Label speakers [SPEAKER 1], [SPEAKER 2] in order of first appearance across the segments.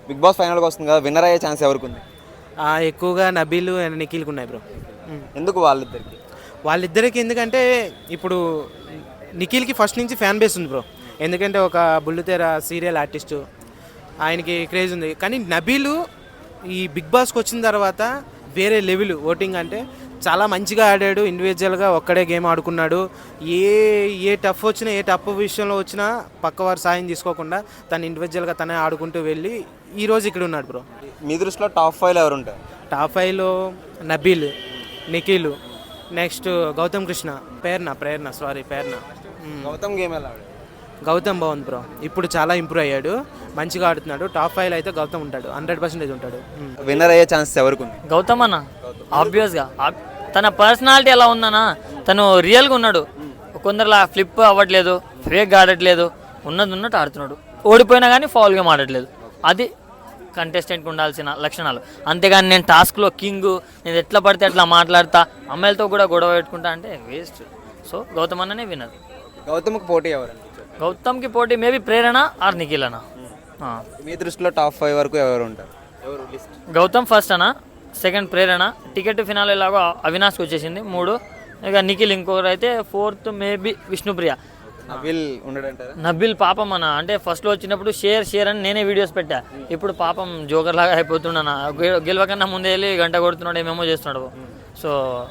[SPEAKER 1] Big boss ఫైనల్కి వస్తుంది కదా, విన్నర్ అయ్యే ఛాన్స్ ఎవరికి ఉంది?
[SPEAKER 2] ఎక్కువగా నబీల్ అండ్ నిఖిల్కి ఉన్నాయి బ్రో.
[SPEAKER 1] ఎందుకు వాళ్ళిద్దరికి?
[SPEAKER 2] వాళ్ళిద్దరికి ఎందుకంటే ఇప్పుడు నిఖిల్కి ఫస్ట్ నుంచి ఫ్యాన్ బేస్ ఉంది బ్రో. ఎందుకంటే ఒక బుల్లితెర సీరియల్ ఆర్టిస్టు, ఆయనకి క్రేజ్ ఉంది. కానీ నబీలు ఈ బిగ్ బాస్కి వచ్చిన తర్వాత వేరే లెవెల్ ఓటింగ్. అంటే చాలా మంచిగా ఆడాడు, ఇండివిజువల్గా ఒక్కడే గేమ్ ఆడుకున్నాడు. ఏ టఫ్ వచ్చినా, ఏ టఫ్ విషయంలో వచ్చినా పక్కవారు సాయం తీసుకోకుండా తను ఇండివిజువల్గా తనే ఆడుకుంటూ వెళ్ళి ఈరోజు ఇక్కడ ఉన్నాడు బ్రో.
[SPEAKER 1] మీ దృష్టిలో టాప్ 5 ఎవరు ఉంటారు?
[SPEAKER 2] టాప్ 5లో నబీల్, నిఖిల్, నెక్స్ట్ గౌతమ్ కృష్ణ, ప్రేరణ.
[SPEAKER 1] గౌతమ్ గేమ్ ఎలా ఆడాడు?
[SPEAKER 2] గౌతమ్ బాగుంది బ్రో, ఇప్పుడు చాలా ఇంప్రూవ్ అయ్యాడు, మంచిగా ఆడుతున్నాడు. టాప్ 5లో అయితే గౌతమ్ ఉంటాడు, 100% ఉంటాడు.
[SPEAKER 1] విన్నర్ అయ్యే ఛాన్సెస్ ఎవరికి ఉంది?
[SPEAKER 3] గౌతమ్ అన్న ఆబ్వియస్గా. తన పర్సనాలిటీ ఎలా ఉందన్నా, తను రియల్గా ఉన్నాడు. కొందరిలా ఫ్లిప్ అవ్వట్లేదు, ఫేక్గా ఆడట్లేదు, ఉన్నట్టు ఆడుతున్నాడు. ఓడిపోయినా కానీ ఫౌల్ గేమ్ ఆడట్లేదు. అది కంటెస్టెంట్కి ఉండాల్సిన లక్షణాలు. అంతేగాని నేను టాస్క్లో కింగ్, నేను ఎట్లా పడితే అట్లా మాట్లాడతా, అమ్మాయిలతో కూడా గొడవ పెట్టుకుంటా అంటే వేస్ట్. సో గౌతమ్ అన్ననే విన్నర్.
[SPEAKER 1] గౌతమ్కి పోటీ ఎవరు?
[SPEAKER 3] గౌతమ్కి పోటీ మేబీ ప్రేరణ ఆర్ నిఖిల్ అన్న.
[SPEAKER 1] మీ దృష్టిలో టాప్ 5 వరకు ఎవరు ఉంటారు?
[SPEAKER 3] గౌతమ్ ఫస్ట్ అన్న, సెకండ్ ప్రేరణ, టికెట్ ఫినాల్ ఎలాగో అవినాష్కి వచ్చేసింది 3, ఇక నిఖిల్ ఇంకొకరు అయితే 4th మేబీ విష్ణుప్రియ. నబిల్ పాపం అన్న, అంటే ఫస్ట్లో వచ్చినప్పుడు షేర్ అని నేనే వీడియోస్ పెట్టా. ఇప్పుడు పాపం జోకర్ లాగా అయిపోతున్నాను, గెలవకన్నా ముందే వెళ్ళి గంట కొడుతున్నాడు, ఏమేమో చేస్తున్నాడు. సో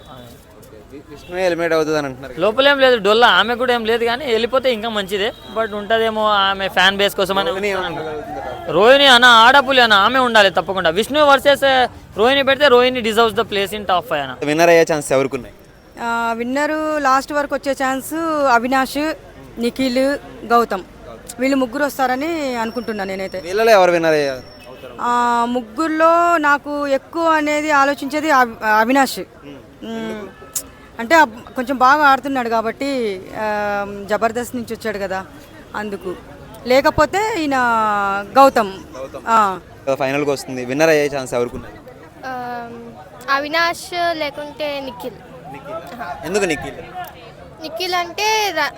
[SPEAKER 1] విష్ణు ఎలిమినేట్ అవుతుంది అని అంటున్నారు.
[SPEAKER 3] లోపలేం లేదు, డొల్లా ఆమె కూడా ఏం లేదు, కానీ వెళ్ళిపోతే ఇంకా మంచిదే. బట్ ఉంటుందేమో ఆమె ఫ్యాన్ బేస్ కోసం అని. రోహిణి అన్న ఆడపులి అన్న, ఆమె ఉండాలి తప్పకుండా. విష్ణు వర్సెస్ రోహిణి పెడితే Rohini deserves the place in top 5 అన్న.
[SPEAKER 1] విన్నర్ అయ్యే ఛాన్స్ ఎవరికి ఉన్నాయి?
[SPEAKER 4] విన్నరు లాస్ట్ వరకు వచ్చే ఛాన్స్ అవినాష్, నిఖిల్, గౌతమ్, వీళ్ళు ముగ్గురు వస్తారని అనుకుంటున్నాను నేనైతే.
[SPEAKER 1] వీళ్ళలో ఎవరు విన్నర్ అయ్యారు?
[SPEAKER 4] ముగ్గురులో నాకు ఎక్కువ అనేది ఆలోచించేది అవినాష్. అంటే కొంచెం బాగా ఆడుతున్నాడు కాబట్టి, జబర్దస్త్ నుంచి వచ్చాడు కదా అందుకు. లేకపోతే ఈయన గౌతమ్
[SPEAKER 1] ఫైనల్కి వస్తుంది, విన్నర్ అయ్యే ఛాన్స్ ఎవరికి ఉన్నాయి?
[SPEAKER 5] అవినాష్ లేకుంటే నిఖిల్.
[SPEAKER 1] ఎందుకు నిఖిల్?
[SPEAKER 5] నిఖిల్ అంటే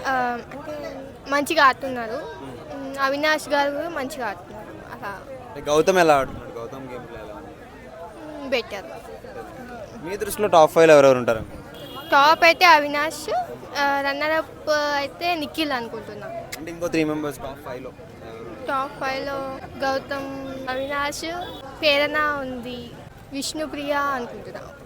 [SPEAKER 5] మంచిగా ఆడుతున్నారు, అవినాష్ గారు మంచిగా ఆడుతున్నారు. అలా
[SPEAKER 1] గౌతమ్ ఎలా ఆడుతున్నాడు? Gautam game
[SPEAKER 5] better.
[SPEAKER 1] మీ దృష్టిలో టాప్ 5లో ఎవరెవరు ఉంటారు?
[SPEAKER 5] టాప్ అయితే అవినాష్, రన్నర్ అప్ అయితే నిఖిల్ అనుకుంటున్నాం.
[SPEAKER 1] అంటే ఇంకో 3 మెంబర్స్ టాప్ 5లో.
[SPEAKER 5] టాప్ 5లో గౌతమ్, అవినాష్, ప్రేరణ ఉంది, విష్ణుప్రియ అనుకుంటున్నాం.